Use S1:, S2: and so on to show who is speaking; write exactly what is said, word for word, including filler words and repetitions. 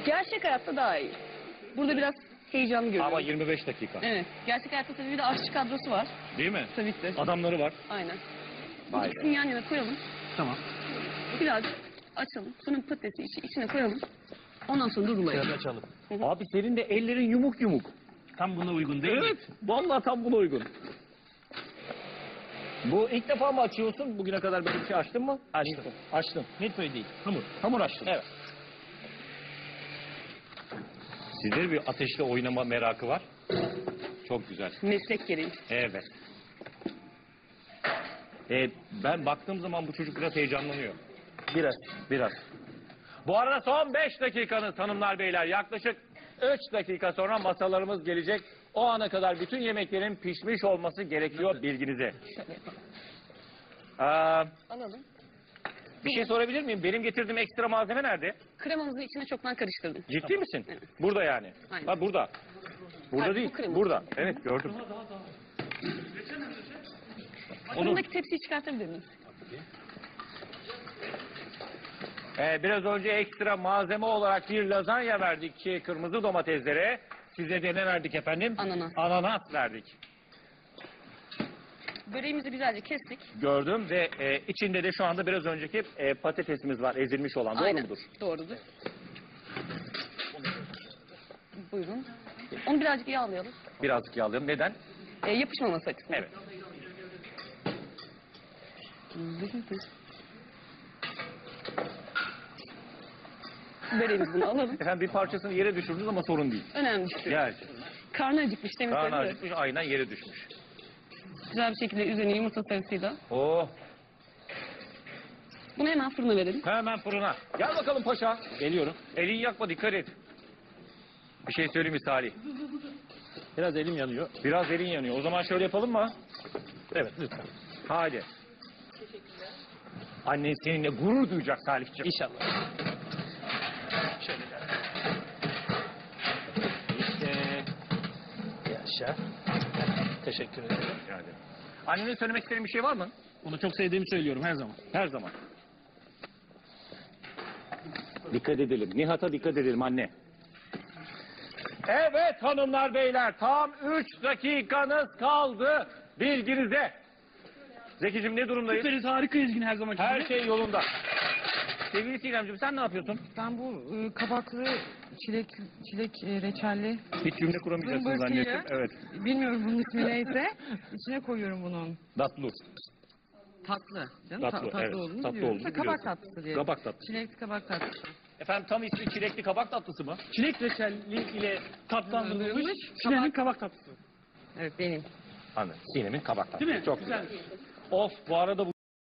S1: Gerçek hayatta daha iyi. Burada biraz heyecanlı görüyorum.
S2: Ama yirmi beş dakika.
S1: Evet. Gerçek hayatta tabii bir de aşçı kadrosu var.
S2: Değil mi?
S1: Tabii ki.
S2: Adamları var.
S1: Aynen.
S2: Vay be.
S1: İkisini yan yana koyalım.
S2: Tamam.
S1: Biraz açalım. Sonra patatesi içi, içine koyalım. Ondan sonra durulayalım.
S3: Biraz açalım.
S2: Abi senin de ellerin yumuk yumuk.
S3: Tam buna uygun değil mi?
S2: Evet. Vallahi tam buna uygun. Bu ilk defa mı açıyorsun? Bugüne kadar böyle bir şey açtın mı?
S3: Açtım.
S2: Açtın.
S3: Milföy değil. Hamur.
S2: Hamur açtın. Evet. Sizde bir ateşle oynama merakı var. Çok güzel.
S1: Meslek gereği.
S2: Evet. Ee, ben baktığım zaman bu çocuk biraz heyecanlanıyor.
S3: Biraz.
S2: Biraz. Bu arada son beş dakikanız hanımlar beyler. Yaklaşık üç dakika sonra masalarımız gelecek. O ana kadar bütün yemeklerin pişmiş olması gerekiyor bilginize. Ee,
S1: Alalım.
S2: bir şey sorabilir miyim? Benim getirdiğim ekstra malzeme nerede?
S1: Kremamızı içine çoktan karıştırdım.
S2: Ciddi misin?
S1: Evet.
S2: Burada yani.
S1: Aynen.
S2: Ha burada. Burada
S1: Hayır,
S2: değil.
S1: bu krema.
S2: Burada. Evet gördüm.
S1: Fırındaki tepsiyi çıkartabilir miyiz?
S2: Ee, biraz önce ekstra malzeme olarak bir lazanya verdik ki kırmızı domateslere. Size de ne verdik efendim?
S1: Ananas.
S2: Ananas verdik.
S1: Böreğimizi güzelce kestik.
S2: Gördüm ve e, içinde de şu anda biraz önceki e, patatesimiz var ezilmiş olan. Doğru
S1: Aynen.
S2: mudur?
S1: Doğrudur. Buyurun. Onu birazcık yağlayalım.
S2: Birazcık yağlayalım. Neden?
S1: E, yapışmaması açısından.
S2: Evet.
S1: Böreğimizi bunu alalım.
S2: Efendim bir parçasını yere düşürdünüz ama sorun değil.
S1: Önemli bir şey.
S2: Yani
S1: Karnı acıkmış demin
S2: karnı
S1: söyledi.
S2: acıkmış aynen yere düşmüş.
S1: Güzel bir şekilde üzerine yumurta sarısıyla.
S2: Oh.
S1: Bunu hemen fırına verelim.
S2: Hemen fırına. Gel bakalım paşa. Geliyorum. Elini yakma dikkat et. Bir şey söyleyeyim mi Salih?
S3: Biraz elim yanıyor.
S2: Biraz elin yanıyor. O zaman şöyle yapalım mı?
S3: Evet lütfen.
S2: Hadi. Annen seninle gurur duyacak Salih'ciğim.
S3: İnşallah. Şöyle gel. İşte. Yaşa. Teşekkür ederim.
S2: Rica ederim. Annenin söylemek istediğin bir şey var mı?
S3: Onu çok sevdiğimi söylüyorum her zaman.
S2: Her zaman. Dikkat edelim. Nihat'a dikkat edelim anne. Evet hanımlar beyler tam üç dakikanız kaldı bilginize. Zeki'cim ne durumdayız?
S3: Süperiz, harikayız yine her zaman.
S2: Her şey yolunda. Sevgili Sinemciğim sen ne yapıyorsun?
S4: Ben bu e, kabaklı çilek çilek e, reçelli
S2: Hiç cümle kuramayacaksınız
S4: zımbırtıyı,
S2: zannettim. Evet.
S4: bilmiyorum bunun ismi neyse, içine koyuyorum bunun.
S2: Datlu.
S4: Tatlı. Canım,
S2: Tatlı,
S4: Ta- tatlı
S2: evet.
S4: olduğunu
S2: Tatlı
S4: biliyorum.
S2: olduğunu
S4: Ha, kabak
S2: biliyorsun.
S4: tatlısı diye.
S2: Kabak tatlısı.
S4: Çilekli kabak tatlısı.
S2: Efendim tam ismi çilekli kabak tatlısı mı?
S3: Çilek reçelli ile tatlandırılmış
S4: Kabak-
S3: Sinem'in kabak tatlısı.
S4: Evet benim.
S2: Anladım. Sinem'in kabak tatlısı.
S3: Değil mi?
S2: Çok
S3: Güzel.
S2: güzel. Of bu arada bu